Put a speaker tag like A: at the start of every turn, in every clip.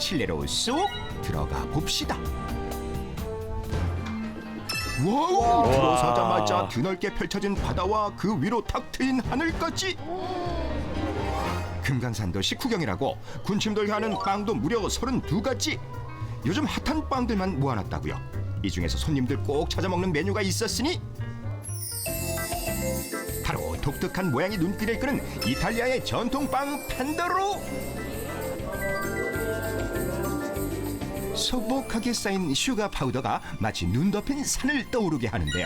A: 실내로 쏙 들어가 봅시다. 와우! 들어서자마자 드넓게 펼쳐진 바다와 그 위로 탁 트인 하늘까지. 금강산도 식후경이라고 군침돌게 하는 빵도 무려 32가지. 요즘 핫한 빵들만 모아놨다고요. 이 중에서 손님들 꼭 찾아 먹는 메뉴가 있었으니 바로 독특한 모양이 눈길을 끄는 이탈리아의 전통빵 판도로. 소복하게 쌓인 슈가 파우더가 마치 눈 덮인 산을 떠오르게 하는데요.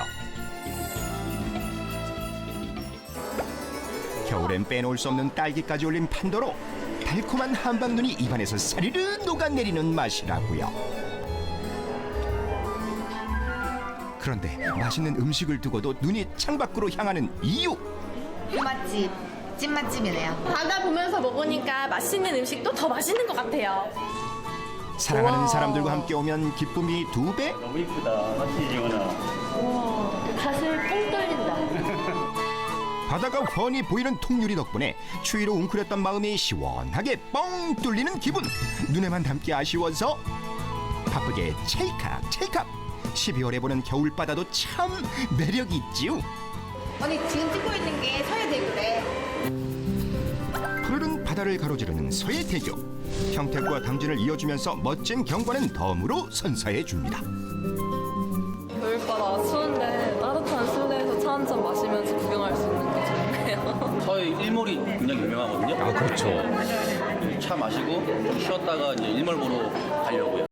A: 겨울엔 빼놓을 수 없는 딸기까지 올린 판도로 달콤한 한방눈이 입안에서 사리르 녹아내리는 맛이라고요. 그런데 맛있는 음식을 두고도 눈이 창밖으로 향하는 이유.
B: 맛집, 찐맛집이네요.
C: 바다 보면서 먹으니까 맛있는 음식도 더 맛있는 것 같아요.
A: 사랑하는
C: 우와.
A: 사람들과 함께 오면 기쁨이 2배.
D: 너무 이쁘다. 맞지, 지원아?
C: 가슴이 뻥 뚫린다.
A: 바다가 훤히 보이는 통유리 덕분에 추위로 웅크렸던 마음이 시원하게 뻥 뚫리는 기분. 눈에만 담기 아쉬워서 바쁘게 찰칵 찰칵. 12월에 보는 겨울바다도 참 매력있지요.
B: 언니 지금 찍고 있는 게 서해대교래.
A: 푸르른 바다를 가로지르는 서해대교. 평택과 당진을 이어주면서 멋진 경관은 덤으로 선사해줍니다.
E: 겨울바다 추운데 따뜻한 실내에서 차 한 잔 마시면서 구경할 수 있는 게 좋네요.
D: 서해 일몰이 굉장히 유명하거든요.
A: 아, 그렇죠.
D: 차 마시고 좀 쉬었다가 이제 일몰 보러 가려고요.